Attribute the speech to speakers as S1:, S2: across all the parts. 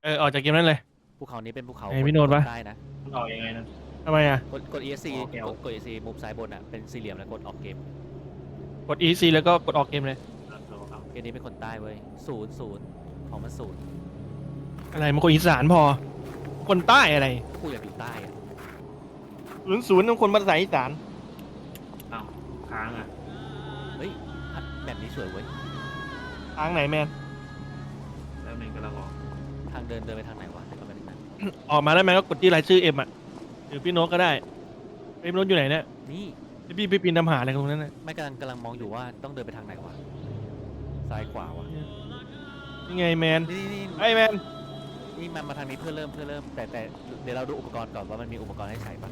S1: ออกจากเกมนั้นเลย
S2: ภูเขานี้เป็นภูเขา
S1: ไอ้พี่โน้ตวะ
S2: ใต้นะ
S3: มันออกยังไงนะ
S1: ทำไมอ่ะ
S2: กด ESC
S3: ออกแอล
S2: กด ESC มุมซ้ายบนอ่ะเป็นสี่เหลี่ยมแล้วกดออกเกม
S1: กด EC แล้วก็กดออกเกมเลย
S2: เกมนี้เป็นคนใต้เว้ย00ของมันศูนย์
S1: อะไรมันคนอีสานพอ คนใต้อะไร
S2: กูอยากอยู่ใต้อะ
S1: 00ต้องคนภาษาอีสาน
S3: อ้าวค้างอ่ะ
S2: เฮ้ยแบบนี้สวยเว้ย
S1: ทางไหนแมน
S3: แล้วหนึ่งกำลังออก
S2: ทางเดินไปทางไหนวะเดี๋ยวก่อนไปดูนะ
S1: ออกมาแล้วแมนก็กดที่รายชื่อเอ็มอ่ะหรือพี่โน้ตก็ได้พี่โน้ตอยู่ไหนเนี่ย
S2: นี่
S1: พี่ปีนทำหาอะไรตรงนั้นน่ะ
S2: ไม่กำลังมองอยู่ว่าต้องเดินไปทางไหนวะซ้ายขวาวะ
S1: นี่ไงแมน
S2: นี่
S1: ไอ้แมน
S2: นี่มาทางนี้เพื่อเริ่มแต่เดี๋ยวเราดูอุปกรณ์ก่อนว่ามันมีอุปกรณ์ให้ใช้ปะ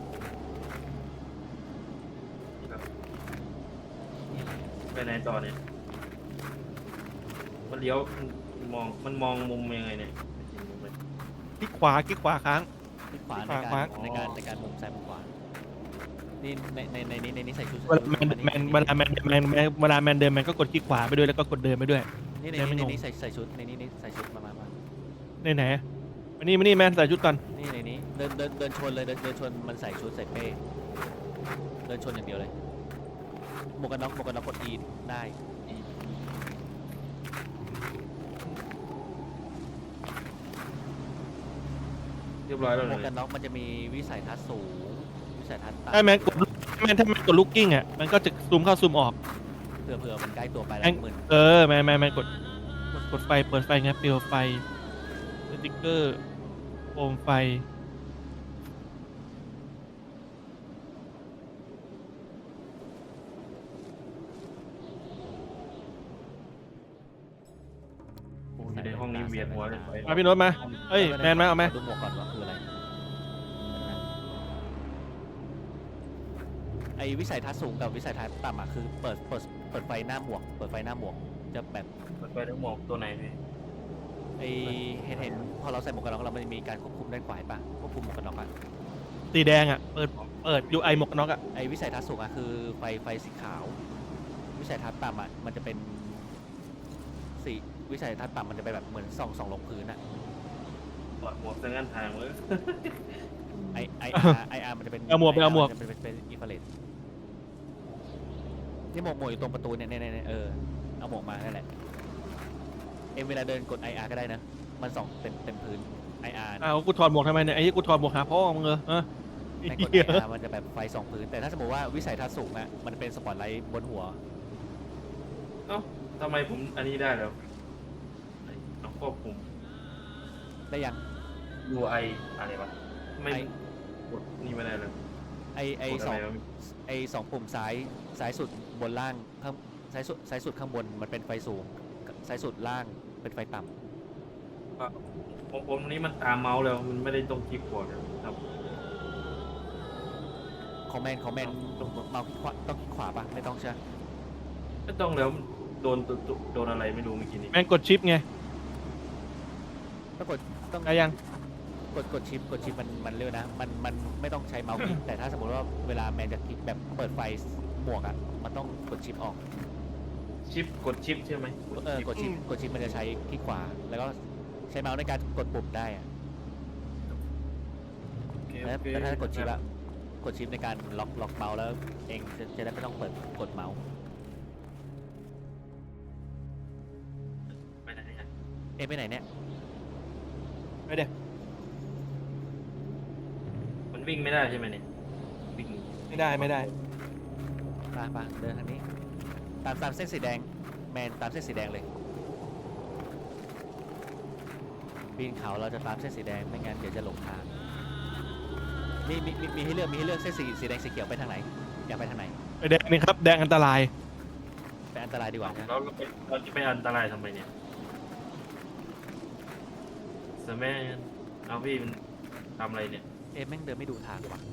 S3: ไปไหนต่อเนี่ยมันเลี้ยวมันมองมุมยังไงเนี่ยมุมไหน
S1: คลิกขวาค้าง
S2: คลิกขวา
S1: ขวาขวา
S2: ในการมุมซ้ายมุมขวานี่ในนี้ใส่ชุด
S1: เวลาเวลาแมนเดินแมนก็กดคลิกขวาไปด้วยแล้วก็กดเดินไปด้วย
S2: นี่ใน
S1: ไม่งง
S2: นี้ใส่ชุดในนี้ใส่ชุดมา
S1: ไหนมานี่แมนใส่ชุดก่อน
S2: นี่ในนี้เดินชนเลยเดินชนมันใส่ชุดใส่เป้เดินชนอย่างเดียวเลยหมวกกันน็อกกด E ได้
S3: เรียบร้อยแล้ว
S2: หมวก
S3: เล
S2: กั
S3: ย
S2: นน็อกมันจะมีวิสัยทัศน์สูงวิสัยทัศน์
S1: ถ้าแม
S2: ต่ำ
S1: นกดถ้าแมนกดลูกกิ้งอ่ะมันก็จะซูมเข้าซูมออก
S2: เผื่อมันใกล้ตัวไปแล้วหมื่น
S1: แมนกดไฟเปิดไฟไงเปลวไฟสติ๊กเกอร์โคมไฟ
S3: อยู่ในห้องนี้เวียนหัวเลย
S1: มาพี่โน้ตมาเอ้ยแมนมาเอาไหม
S2: ดูหมวกก่อนว่าคืออะไรไอวิสัยทัศน์สูงกับวิสัยทัศน์ต่ำอะคือเปิดไฟหน้าหมวกจะแบบ
S3: มันไปทั้งหมอกตัวไหนพี่
S2: ไอเห็นพอเราใส่หมวกกันน็อกเรามันจะมีการควบคุมด้านขวาปะควบคุมหมวกกันน็อกอะ
S1: สีแดงอ่ะเปิด UI หมวกกันน็อกอ่ะ
S2: ไอวิสัยทัศน์สูงอะคือไฟสีขาว วิสัยทัศน์ต่ำอะมันจะเป็นสีวิสัยทัศน์ต่ำมันจะเป็นแบบเหมือนส่องลงพื้นอะ
S3: ถอดหมวกซะงั้นทางเลย
S2: ไออาร์มันจะเป็น
S1: เอาหมวกไปเอาหมวก
S2: จะเป็นอินฟราเรดที่หมวกอยู่ตรงประตูเนี่ยเอาหมวกมานั่นแหละเวลาเดินกด IR ก็ได้นะมันส่องเต็มพื้น IR
S1: อ้าวกูถอดหมวกทำไมเนี่ยไอ้ที่กูถอดหมวกหาพ่อมึงเหรอฮะ
S2: ในกด IR มันจะแบบไฟส่องพื้นแต่ถ้าสมมติว่าวิสัยทัศน์สูงอะมันเป็นสปอตไลท์บนหัว
S3: เอ้าทำไมผมอันนี้ได้แล้วต้องควบคุม
S2: ได้ยัง
S3: UI อะไรวะไม่
S2: ไอ้
S3: กดนี่ไม่ได้เลย
S2: ไอก
S3: ดอะไรวะ
S2: สองปุ่มซ้ายสุดบนล่างข้างซ้ายสุดข้างบนมันเป็นไฟสูงซ้ายสุดล่างเป็นไฟต่ำ
S3: ผมนี้มันตามเมาส์แล้วมันไม่ได้ตรงคลิปบอร์ดครับ
S2: คอมเมนต์เมาส์คลิกขวาต้องคลิกขวาปะไม่ต้องใช่ไหม
S3: ไม่ต้องแล้วโดนอะไรไม่รู้เมื่อกี้นี้
S1: แมนกดชิปไง
S2: ต้อง
S1: ได้ยัง
S2: กดชิปมันเร็วนะมันไม่ต้องใช้เมาส์คลิกแต่ถ้าสมมติว่าเวลาแมนจะคลิกแบบเปิดไฟหมวกอ่ะมันต้องกดชิปออก
S3: กดชิปใช่ไหม
S2: กดชิปมันจะใช้คลิกขวาแล้วก็ใช้เมาส์ในการกดปุ่มได้อะ
S3: โอเค
S2: แต่ถ้ากดชิปอะกดชิปในการล็อกเมาส์แล้วเองจะได้ไม่ต้องเปิดกดเมาส์
S3: ไปไหนเนี่ย
S2: ไปไหนเนี่ย
S1: ไปเดี๋ยว
S3: มันวิ่งไม่ได้ใช่ไหมเนี่ยวิ่ง
S1: ไม่ได้
S2: ไปเดินทางนี้ตามเส้นสีแดงแมนตามเส้นสีแดงเลยปีนเขาเราจะตามเส้นสีแดงไม่งั้นเดี๋ยวจะหลงทางมีให้เลือกเส้นสีแดงสีเขียวไปทางไหนอยากไปทางไหน
S1: ไปแดงนี่ครับแดงอันตราย
S2: ไปอันตรายดีกว่านะ
S3: เราจะไปอันตรายทำไมเนี่ยสแมนเอาพี่มันทำอะไรเนี่ย
S2: แม่งเดินไม่ดูทางว่ะ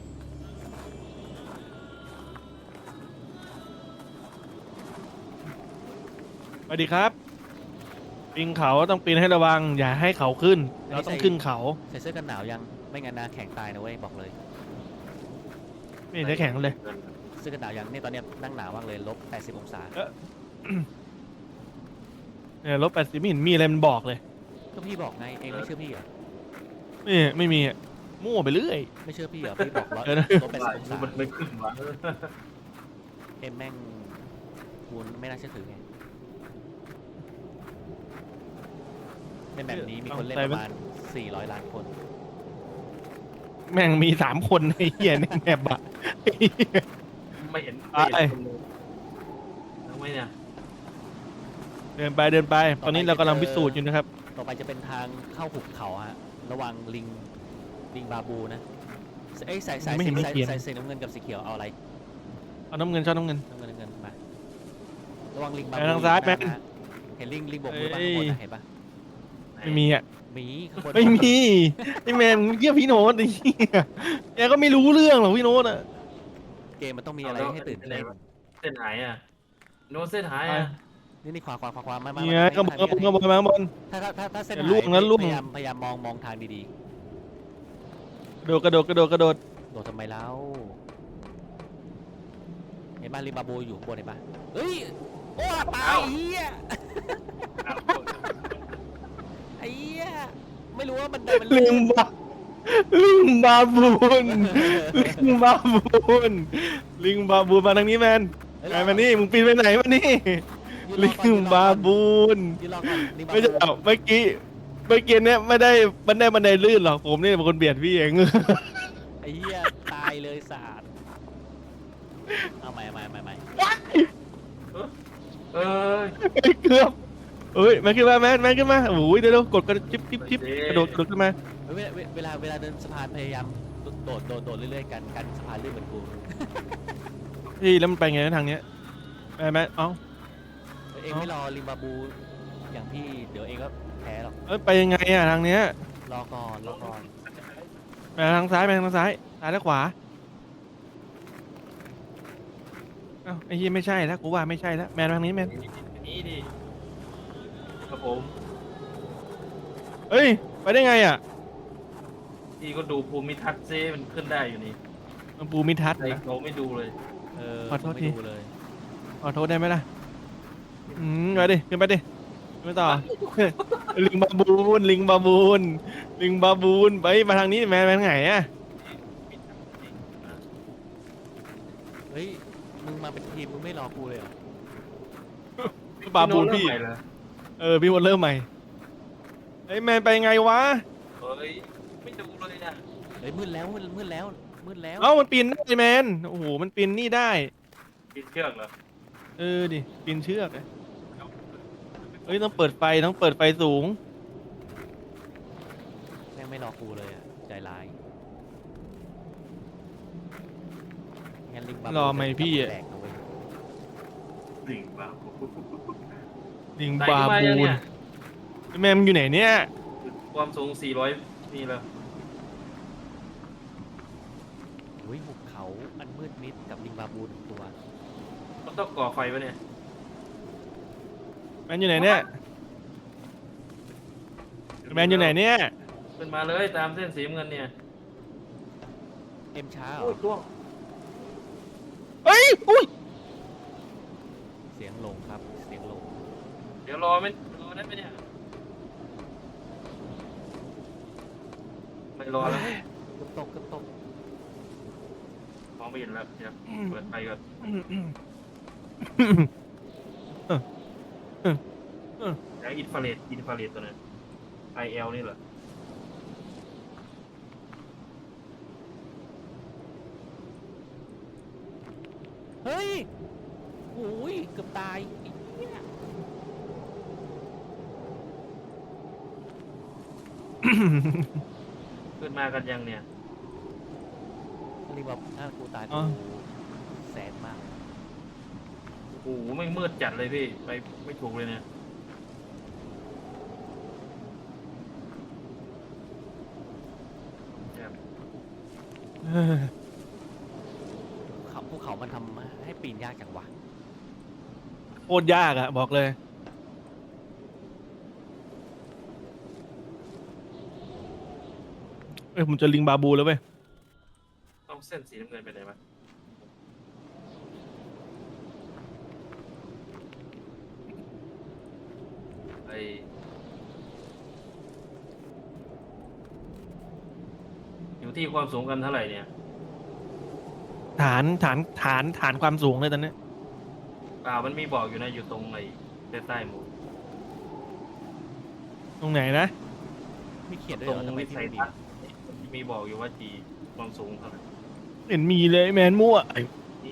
S1: สวัสดีครับปีนเขาต้องปีนให้ระวังอย่าให้เขาขึ้นเราต้องขึ้นเขา
S2: ใส่เสื้อกันหนาวยังไม่งั้นนะแข็งตายนะเว้ยบอกเลย
S1: ไม่เห็นได้แข็งเลย
S2: เสื้อกันหนาวยังนี่ตอนเนี้ยนั่งหนาวมากเลย-80 องศา
S1: เนี่ยลบ80ไม่เห็นมีอะไรมันบอกเลย
S2: ก็พี่บอกไงเองไม่เชื่อพี่เหรอ
S1: ไม่มีอะมั่วไปเรื่อย
S2: ไม่เชื่อพี่เหรอพี่บอกร้อย
S1: เออนะ
S2: ลบ80 องศา
S3: มันไม่ขึ้นวะ
S2: เอ็มแม่งคูณไม่น่าเชื่อถือไงในแบบนี้มีคนเล่นประมาณ400 ล้านคน
S1: แม่งมี3 คนไอ้เหี้ยในแมปอะไอ้เหี้ย
S3: ไม่เห็น
S1: ไป
S3: คนเลยทำไมเนี่ย
S1: เดินไป ตอนนี้เรากำลังพิสูจน์อยู่นะครับ
S2: ต่อไปจะเป็นทางเข้าหุบเขาฮะระวังลิงบาบูนะเอ้ยใส่
S1: ไม่เห็น
S2: สี
S1: ไม่เขียน
S2: ใส่สีน้ำเงินกับสีเขียวเอาอะไร
S1: เอาน้ำเงินชอบน้ำเงิน
S2: น้ำเงินมาระวังลิงบา
S1: ไป
S2: บู
S1: ทางซ้าย
S2: อยู่
S1: แม่
S2: ข้งหน้ฮะเห็นลิงบกมือบ้าง
S1: เอ้ย
S2: ข้างบนนะเห็นปะ
S1: ไม่มีอ่ะ
S2: หมีข้างบน
S1: ไม่มีไอ้แมนมึงเยี่ยพี่โน้ตไอ้เหี้ยแกก็ไม่รู้เรื่องหรอกพี่โน้ตอ่ะ
S2: เกมมันต้องมีอะไรให้ตื่นเต้น
S3: เส้นหายอ่ะโน้ตเส้นหายอ่ะ
S2: นี่ขวามา
S1: เนี่ยก็บอลก็บอลมาบอล
S2: ถ้าเส้น
S1: อย่า
S2: หาย
S1: ล่วงนะล่วง
S2: พยายามมองทางดี
S1: กระโดด
S2: ๆโดดทำไมแล้วเห็นป่ะลิงบาบูอยู่ข้างบนเห็นป่ะเฮ้ยโอ้ตายเฮียไอ้เหี้ยไม่รู้ว่ามันได้มัน
S1: ลิงบาบูนลิงบาบูนมาทางนี้แมนไงมานี่มึงปีนไปไหนมานี่ลิงบาบูน
S2: ยืนรอก่อนลิงบา
S1: ไม่ใช่
S2: บู
S1: เมื่อกี้เนี่ยไม่ได้บันไดลื่นหรอกผมนี่เป็นคนเบียดพี่เอง
S2: ไอ้เหี้ยตายเลยสาดเอาใหม่
S3: เออ
S1: เกือบเอ้ยแมนขึ้นมาแมนขึ้นมาโอ้ยเดี๋ยวกดกระจิ๊บกระโดดขึ้นมา
S2: เวลาเดินสะพานพยายามโดดเรื่อยๆกันสะพานลื่นเหมือนกู
S1: พี่แล้วมันไปไงทางเนี้ยแมนเอ้า
S2: เองไม่รอลิงบาบูอย่างพี่เดี๋ยวเองก็แพ้หรอก
S1: เอ้ยไปยังไงอะทางเนี้ย
S2: รอก่อน
S1: แมนทางซ้ายซ้ายและขวาเอ้าไอ้ยี่ไม่ใช่แล้วกูว่าไม่ใช่แล้วแมนทางนี้แมน
S3: นี่ดิครับผม
S1: เอ้ยไปได้ไงอ่ะ
S3: พี่ก็ดูภูมิทัศน์ซิมันขึ้นได้อยู่นี่
S1: มันปูมิทัศน์
S3: แต่
S1: นะ
S3: เราไม่ดูเลย
S1: ขอโทษที
S2: ไม่ดูเลย
S1: ขอโทษได้ไหมล่ะไปดิขึ้นไปดิขึ้นไปต่อ ลิงบาบูนไปมาทางนี้แมนไงอ่ะ
S2: เฮ้ยมึงมาเป็นทีมมึงไม่รอกูเลยเหรอ
S1: บาบูนพี่
S3: โน้ตเริ่มใหม่เหรอ
S1: พี่หมดเริ่มใหม่ไอ้แมนไปไงวะ
S3: เฮ้ยไม่ดูเลยอ่ะ
S2: เฮ้ยมืดแล้ว
S1: เอ้ามันปีนได้แมนโอ้โหมันปีนนี่ได้
S3: ปิดเชือกเหรอ
S1: ดิปีนเชือกเลยเฮ้ยต้องเปิดไฟสูง
S2: แม่งไม่รอกูเลยอ่ะใจร้ายงั้นลิงบาบู
S1: รอไหมพี่อะ
S2: แตกนะเว้ย
S3: ลิงบ้า
S1: ลิง
S3: ไหน
S1: บา
S3: ขึ้นมา
S1: บู
S3: ยัง
S1: น
S3: เนี่ย
S1: ไอ้แมนมันอยู่ไหนเนี่ย
S3: ความสูง400นี่แล้ว
S2: อุ้ยหุบเขาอันมืดมิดกับลิงบาบูหนึ่งตัว
S3: มันต้องก่อไฟวะเนี่ย
S1: แมนอยู่ไหนเนี่ยแมนอยู่ไหนเนี่ย
S3: ขึ้นมาเลยตามเส้นสีน้ำเงินเนี่ย
S2: เอ็มช้าเหร
S3: โอ้
S2: อย
S3: ตัว
S1: เฮ้ยอุ้ย
S2: เสียงลงครับเสียงลง
S3: เดี๋ยวรอได้ไหมเนี่ยไม่รอแล้ว
S2: เกือบตก
S3: มองไม่เห็นแล้วเดี๋ยวเปิดไฟก่อนเดี๋ยวอินฟราเรดตัวนั้น IL นี่เหรอ
S2: เฮ้ยโอ้ยเกือบตายไอ้เหี้ย
S3: ขึ้นมากันยังเนี่ย
S2: ลิงบาบูถ้ากูตาย
S1: อ๋อ
S2: กูแสนมาก
S3: โอ้โหไม่มืดจัดเลยพี่ไปไม่ถูกเลยเนี่ย
S1: เออ
S2: ภูเขามันทำให้ปีนยากจังวะ
S1: โคตรยากอะบอกเลยผมจะลิงบาบูแล้วเว้ย
S3: ต้องเส้นสีน้ำเงินไปไหนวะไอตีความสูงกันเท่าไหร่เนี่ย
S1: ฐานความสูงเลยตอนนี้
S3: มันมีบอกอยู่นะอยู่ตรงไอ้ใต้หมู
S1: ตรงไหนนะ
S2: มีเขียนด้วย
S3: ตร
S2: เหรง อทำไม
S3: วิ
S2: พี่
S3: สัย
S2: ไม่มี
S3: ทัศน์มีบอกอยู่ว่าจีความสูงเท่าไหร่
S1: เห็นมีเลยแมนมั่ว
S3: นี่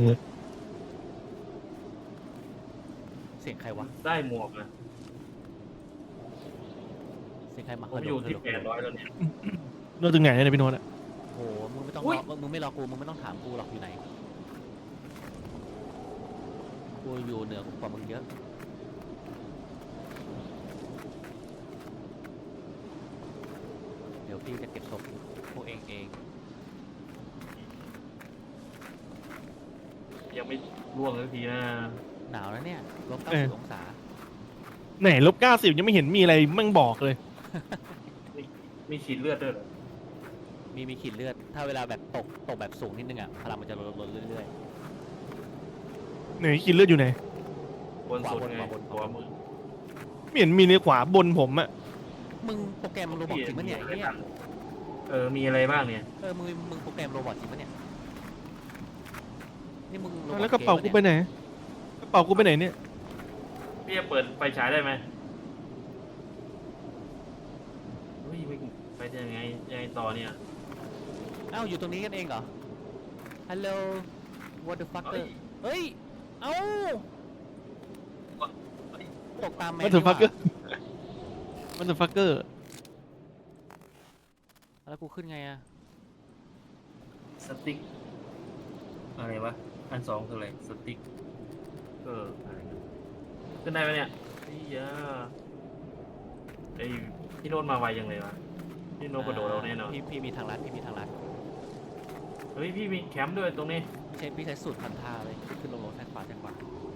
S2: เสียงใครวะ
S3: ใต้หมวกนะ
S2: เสียงใครมา
S3: ผมอยู่ที่800แล้วเนี่ย
S1: โน้ตถึงไหนเนี่ยพี่โน้ตอะ
S2: โอ้โหมึงไม่ต้อง
S3: อุ๊
S2: รอย มึงไม่รอกูมึงไม่ต้องถามกูหรอกอยู่ไหนกูอยู่เหนือกว่ามึงเยอะเดี๋ยวพี่จะเก็บศพพวกเอง
S3: ยังไม่ร่วงสักทีนะ
S2: หนาวแล้วเนี่ยลบ90องศา
S1: ไหน-90ยังไม่เห็นมีอะไรมั่งบอกเลย
S3: มีฉีดเลือดด้วยเหรอ
S2: มีขีดเลือด ถ้าเวลาแบบตกแบบสูงนิดนึงอ่ะพลังมันจะลดเรื่อย
S1: ไหนกินเลือดอยู่ไหน
S3: บนสุดไง
S2: ขวาบน
S3: ขวามือ
S1: ไม่เห็นมีในขวาบนผมอะ
S2: ๆมึงโปรแกรมโรบอทจริงปะเนี่ยไอ้เนี่ย
S3: มีอะไรบ้างเนี่ย
S2: มึงโปรแกรมโรบอทจริงปะเนี่ยนี่มึงโรบอท
S1: แล้วกระเป๋ากู
S2: ม
S1: ไปไหนกระเป๋ากูไปไหนเนี่ย
S3: พี่จะเปิดไฟฉายได้ไหมเฮ้ยไม่ไปได้ยังไงต่อเนี่ย
S2: อ้าวอยู่ตรงนี้กันเองเหรอ ฮัลโหล what the fuck เฮ้ย เอ้าตกตามแมน
S1: มันถึงฟักเกอร์มันถึงฟักเกอร์
S2: แล้วกูขึ้นไงอะ
S3: สติ๊กอะไรวะอัน2คืออะไรสติ๊กอะไรนะขึ้นได้ไหมเนี่ยไอ้ยาไอ้พี่โน้ตมาไวยังเลยวะพี่โน้ตกระโดดเราแน่นอน
S2: พี่มีทางลัดพี่มีทางลัด
S3: เฮ้ยพี่มีแคมป์ด้วยตรงนี้
S2: พี่ใช้สูตรพันท่าเลยขึ้นลงซ้ายขวาซ้ายขวา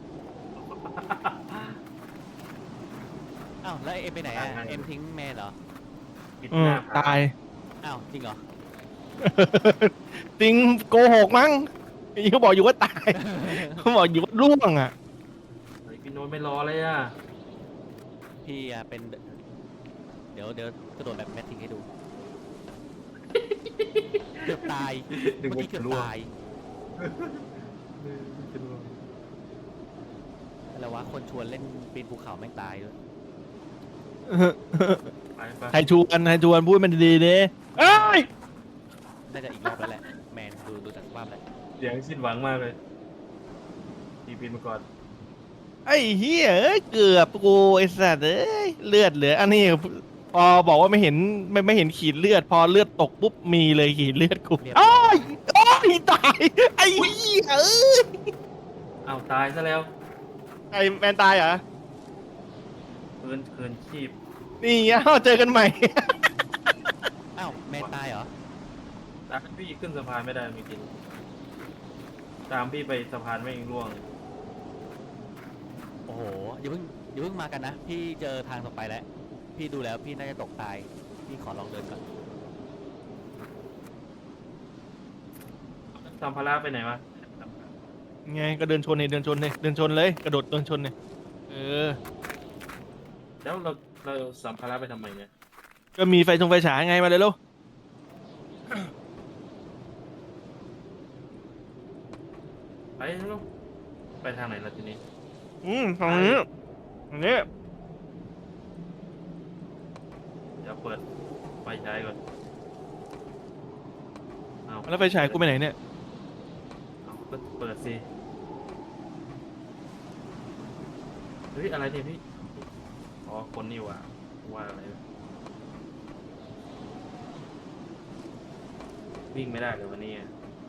S2: อ้าวแล้วเอ็มไปไหนอะเอ็มทิ้งแมนเหรอ
S3: ปิดหน้าผ
S1: ตาย
S2: อ้าวจริงเหรอ
S1: จริงโกหกมั้งเขาบอกอยู่ว่าตายเขาบอกอยู่ว่าร่วงอะ
S3: เฮ้ยพี่โน้ตไม่รอเลยอ่ะ
S2: พี่อะเป็น เดี๋ยวกระโดดแบบแมททิ้งให้ดู เกือบตาย
S3: นึก
S2: เมื่อ
S3: ว่า
S2: กี้เกื
S3: จะ
S2: อบ
S3: ร่วง
S2: ตายอะไรวะ คนชวนเล่นปีนภูเขาแม่งตายด้วย
S3: ไป
S1: ใครชวนพูดมันดีๆเด้เอ้ย
S2: น่าจะอีกรอบแล้วแหละ แมนดูจากสภาพแล้ว
S3: เสียงสิ้นหวังมากเลยพี่ปีนมาก่อน
S1: ไอ้เหี้ยเอ้ยเกือบกูไอ้สัตว์เอ้ยเลือดเหลืออันนี้พอบอกว่าไม่เห็นไม่เห็นขีดเลือด พอเลือดตกปุ๊บมีเลยขีดเลือดกู
S2: เรียบร้
S1: โอ้
S2: อย
S1: ยโอ้ยตายไอ้เหี้ยเอ้ย
S3: อ้าวตายซะแล้ว
S1: ไอ้แมนตายเหรอ
S3: คืนชีพ
S1: นี่เอ้าเจอกันใหม่
S2: อ้าว แมนตายเหรอ
S3: ตามพี่ขึ้นสะพานไม่ได้มีกินตามพี่ไปสะพานไม่ร่วง
S2: โอ้โหอย่าเพิ่งมากันนะ พี่เจอทางต่อไปแล้ว พี่ดูแล้วพี่น่าจะตกตาย พี่ขอลองเดินก่อน
S3: สัมภาระไปไหนวะ
S1: ไงก็เดินชนเลยเดินชนเลยกระโดดเดินชนเลยเออ
S3: แล้วเราสัมภาระไปทำไมเนี่ย
S1: ก็มีไฟฉายไงมาเลยลูก
S3: ไปลูกไปทางไหนล่ะทีนี้
S1: ตรงนี้ตรงนี้
S3: เดี๋ยวเปิดไฟฉายก่อนเอา
S1: แล้วไฟฉายกูไปไหนเนี่ย
S3: เอาก็เปิดสิเฮ้ยอะไรเนี่ยพี่อ๋อคนนี่ว่าอะไรวะวิ่งไม่ได้เลยวันนี้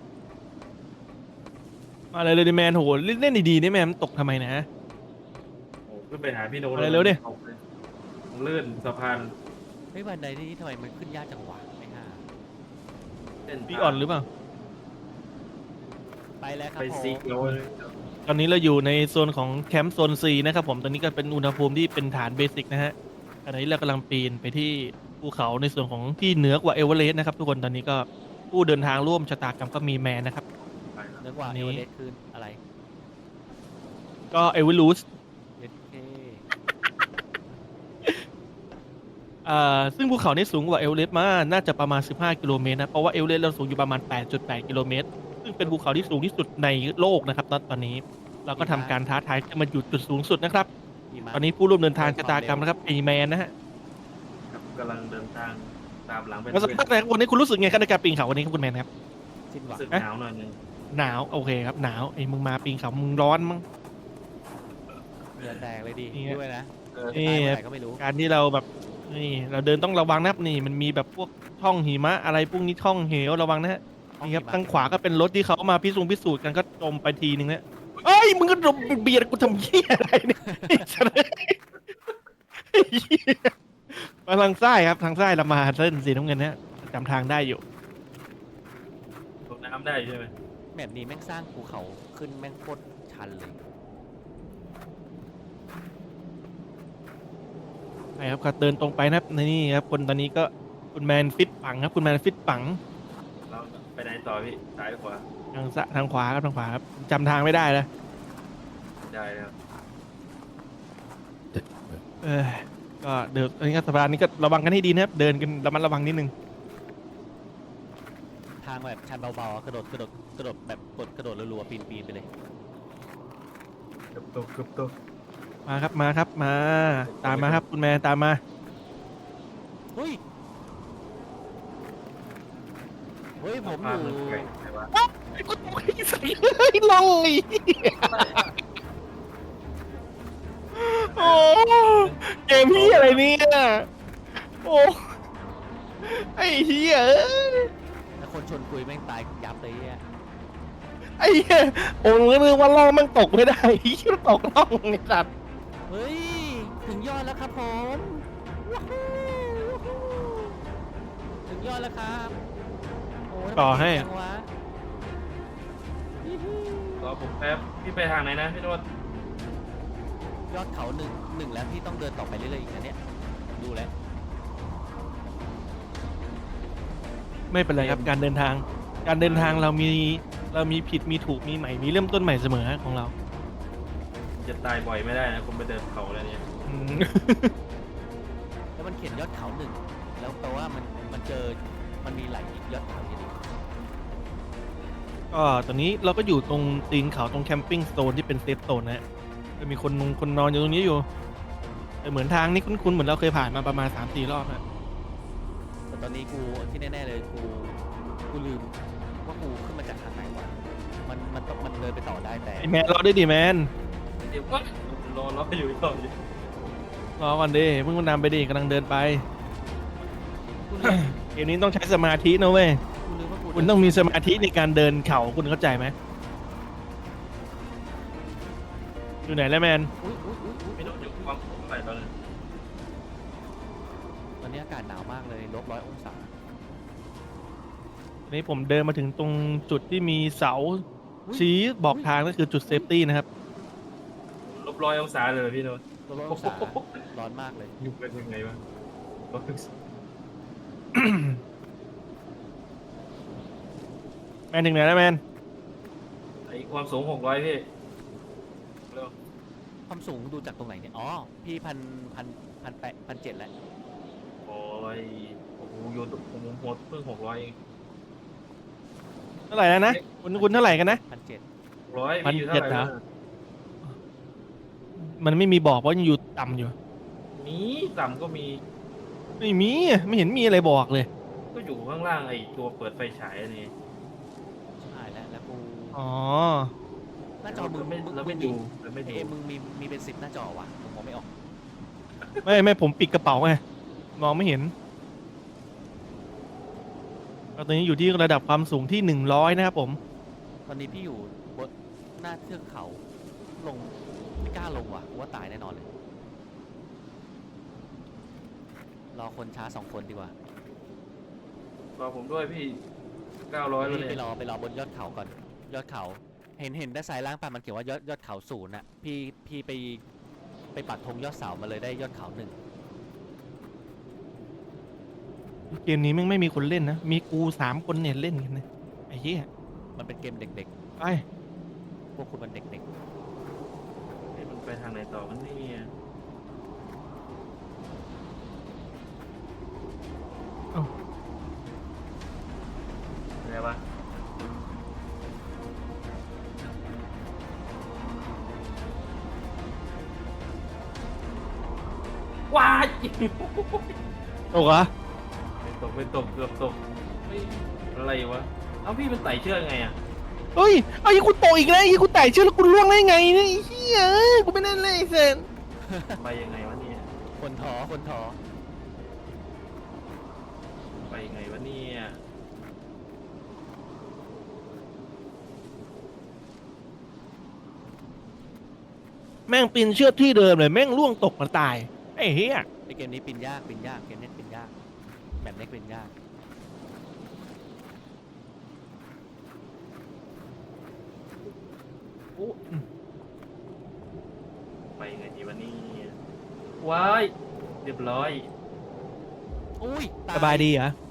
S1: มาเลยดิแมนโหเล่นดีๆนี่แมนมันตกทำไมนะ
S3: โอ้ขึ้นไปหาพี่โน้ต
S1: อะไรเร็วดิ
S3: ผมลื่นสะพาน
S2: เฮ้ยบันไดนี่ทำไมมันขึ้นยากจังวะไม่ห่า
S3: เส้น
S1: พี่อ่อนหรือเปล่า
S2: ไปแล้วครับ
S3: ไป
S2: ผม
S3: ซีเกียวเลย
S1: ตอนนี้เราอยู่ในโซนของแคมป์โซน C นะครับผมตอนนี้ก็เป็นอุณหภูมิที่เป็นฐานเบสิกนะฮะขณะนี้เรากำลังปีนไปที่ภูเขาในส่วนของที่เหนือกว่าเอเวอเรสต์นะครับทุกคนตอนนี้ก็ผู้เดินทางร่วมชะตากรรมก็มีแมนนะครับ
S3: ไปแล้ว
S2: เนื้อกว่า
S1: อันนี้
S2: เอเวอเรสต์คืออะไร
S1: ก็เอเวอรูส
S2: เอเค
S1: ซึ่งภูเขานี้สูงกว่าเอเวอเรสต์มาน่าจะประมาณ15กิโลเมตรนะเพราะว่าเอเวอเรสต์เราสูงอยู่ประมาณ8.8กิโลเมตรซึ่งเป็นภูเขาที่สูงที่สุดในโลกนะครับตอนนี้เราก็ทำการท้าทายขึ้นมาอยู่จุดสูงสุดนะครับ
S2: หิมะ
S1: ตอนนี้ผู้ร่วมเดินทางชะตากรรมนะครับไอแมนนะฮะ
S3: ครับกำลังเดินทางตามหลังเป็น
S1: แล้วสักพักนะครับวันนี้คุณรู้สึกไงครับในการปีนเขาวันนี้ครับคุณแมนครับ
S2: สิ้นหวัง
S3: รู้สึกหนาวหน่อยนึง
S1: หนาวโอเคครับหนาวไอ้มึงมาปีนเขามึงร้อนมั้ง
S2: เหงื่อแตกเลยดิ
S1: นี่ไง
S2: ด้วยนะ
S3: เออ
S1: นี่
S2: ตายเมื่อไหร่ก็ไม่รู้
S1: การที่เราแบบนี่เราเดินต้องระวังนะครับนี่มันมีแบบพวกช่องหิมะอะไรพวกนี้ช่องเหวระวังนะฮะนี่ครับทางขวาก็เป็นรถที่เขามาพิสูจน์กันก็จมไปทีนึงนะเอ้ยมึงก็เบียดกูทำเหี้ยอะไรเนี่ยไอ้สัสไอ้เหี้ยมาทางซ้ายครับทางซ้ายเรามาเส้นสีน้ำเงินนะฮะจำทางได้อยู่
S3: ตกน้ำได้ใช่ไหม
S2: แบบนี้แม่งสร้างภูเขาขึ้นแม่งโคตรชันเลย
S1: ใช่ครับก็เดินตรงไปนะครับนี่ครับคนตอนนี้ก็คุณแมนฟิตปังครับคุณแมนฟิตปัง
S3: เราไปไหนต่อพี่ซ้ายหรือขวา
S1: ทางขวาครับทางขวาครับจำทางไม่ได้แล้ว
S3: ได้แล้ว
S1: เออก็เดินอันนี้ก็สะพานนี้ก็ระวังกันให้ดีนะครับเดินกันระมัดระวังนิดนึง
S2: ทางแบบชันเบาๆอะกระโดดแบบกระโดดรัวๆปีนไปเลย
S3: เกือบตกเกือบตก
S1: มาครับมาครับมาตามมาครับคุณแมนตามมา
S2: เฮ้ยผมอ
S3: พา
S2: ยู่
S3: มันไกลไหนวะ
S1: ไอ้กูตกไอ้ใส่เลยลอยโอ้เกมพี่อะไรเนี่ยโอ้ไอ้เหี้ยเอ้ย
S2: แล้วคนชนกุยแม่งตายยับเลยเนี่ย
S1: ไอ้เหี้ยโอ้นึกว่าล่องมันตกไม่ได้ไอ้เหี้ยตกล่องไอ้สัตว์
S2: เฮ้ยถึงยอดแล้วครับผมว้าวถึงยอดแล้วครับโอ้ย
S1: ต่อให้
S2: ทำไมเก่งจังวะฮิ
S3: รอผมแป๊บพี่ไปทางไหนนะพี่โนด
S2: ยอดเขาหนึ่งแล้วพี่ต้องเดินต่อไปเรื่อยๆอีกนะเนี่ยดูแล้ว
S1: ไม่เป็นไรครับการเดินทางเรามีผิดมีถูกมีใหม่มีเริ่มต้นใหม่เสมอของเรา
S3: จะตายบ่อยไม่ได้นะคุณไปเดินเขาแล้วเนี่ย
S1: อืม
S2: แล้วมันเขียนยอดเขาหนึ่งแล้วแปลว่ามันเจอมันมีหลายยอดเขาอยู่ดี
S1: ก็ตอนนี้เราก็อยู่ตรงตีนเขาตรงแคมปิ้งโซนที่เป็นเซฟโซนนะฮะจะมีคนนอนอยู่ตรงนี้อยู่แต่เหมือนทางนี้คุ้นๆเหมือนเราเคยผ่านมาประมาณ 3-4 รอบนะ
S2: แต่ตอนนี้กูที่แน่ๆเลยกูลืมว่ากูขึ้นมาจากทางไหนวะมันเดินไปต่อได้แต่
S1: ไอแมนรอด้วยดิแมน
S3: เดี๋ยวก็รออยู่ต่ออยู่
S1: รอก่อนดิเพิ่งนำไปดิกำลังเดินไป
S2: กูลืม
S1: เกมนี้ต้องใช้สมาธินะเว้ย
S2: กูลืมว่ากู
S1: คุณต้องมีสมาธิในการเดินเขาคุณเข้าใจไหมอยู่ไหนแล้วแมน
S2: อุ๊ย
S3: พี่โนดอยู่ความสูงเท่าไหร่ตอนนั้น
S2: ตอนนี้อากาศหนาวมากเลย-100 องศา
S1: ตอนนี้ผมเดินมาถึงตรงจุดที่มีเสาชี้บอกทางก็คือจุดเซฟตี้นะครับ
S3: -100 องศาเลยพี่โนด
S2: 100 องศาร้อนมากเลย
S3: อยู่เป็นยังไงวะ100 องศา
S1: แมนถึงไหนแล้วแมน
S3: ไอความสูง600พี่เร็ว
S2: ความสูงดูจากตรงไหนเนี่ยอ๋อพี่1,700แล้ว
S3: โอ้ยโอ้โหโยนผมหมดเพิ่ง600เอง
S1: เท่าไหร่แล้วนะคุณเท่าไหร่กันนะ
S2: 1,700
S3: 600พี่อยู่เท่าไหร่
S1: 1,700เหรอ
S3: นะ
S1: มันไม่มีบอกเพราะยังอยู่ต่ำอยู่
S3: มีต่ำก็มี
S1: ไม่มีไม่เห็นมีอะไรบอกเลย
S3: ก็อยู่ข้างล่างไอตัวเปิดไฟฉายนี่
S2: ใช่แล้วกู
S1: อ๋อ
S2: หน้าจอมึง
S3: เราไม่ดูเราไม่ดู
S2: เอ้มึงมีเป็น10หน้าจอวะผมมองไม่ออก
S1: ไม่ผมปิดกระเป๋าไงมองไม่เห็นตอนนี้อยู่ที่ระดับความสูงที่100นะครับผม
S2: ตอนนี้พี่อยู่บนหน้าเทือกเขาลงไม่กล้าลงว่ะกูว่าตายแน่นอนเลยรอคนช้า2 คนดีกว่าร
S3: อผมด้วยพี่900แล้ว
S2: พี่
S3: เนี่ย
S2: ไปรอบนยอดเขาก่อนยอดเขาเห็นด้านซ้ายล่างป่ะมันเขียนว่ายอดเขา0น่ะพี่ไปปักธงยอดเสามาเลยได้ยอดเขา1
S1: เกมนี้แม่งไม่มีคนเล่นนะมีกู3 คนเนี่ยเล่นกันนะไอ้เหี้ย
S2: มันเป็นเกมเด็ก
S1: ไป
S2: ๆพวกคุณมันเด็ก
S3: เฮ้ยมันไปทางไหนต่อกันเนี่ยว้าย
S1: ตกเหรอ
S3: ไม่ตกเกือบตกเฮ้ยอะไรวะเอ้าพี่มันไต่เชือกไงอ่ะ
S1: เฮ้ยไอ้ยกูตกอีกแล้วไอ้กูไต่เชือกแล้วกูล่วงได้ไงเนี่ยไอ้เหี้ยเอ้ยกูไม่ได้เลยเซน
S3: ไปยังไงวะเนี่ย
S2: คนถอ
S3: ไปยังไงวะเนี่ย
S1: แม่งปีนเชือกที่เดิมเลยแม่งล่วงตกมาตายไอ้เหี้ย
S2: ไอเกมนี้ปีนยากเกมนี้ปีนยากแบบนี้ปีนยาก
S3: โอ้ไปยังไงดีวะเนี่ยว้ายเรียบร้อย
S2: อุ้ย
S1: สบายดีเหรอ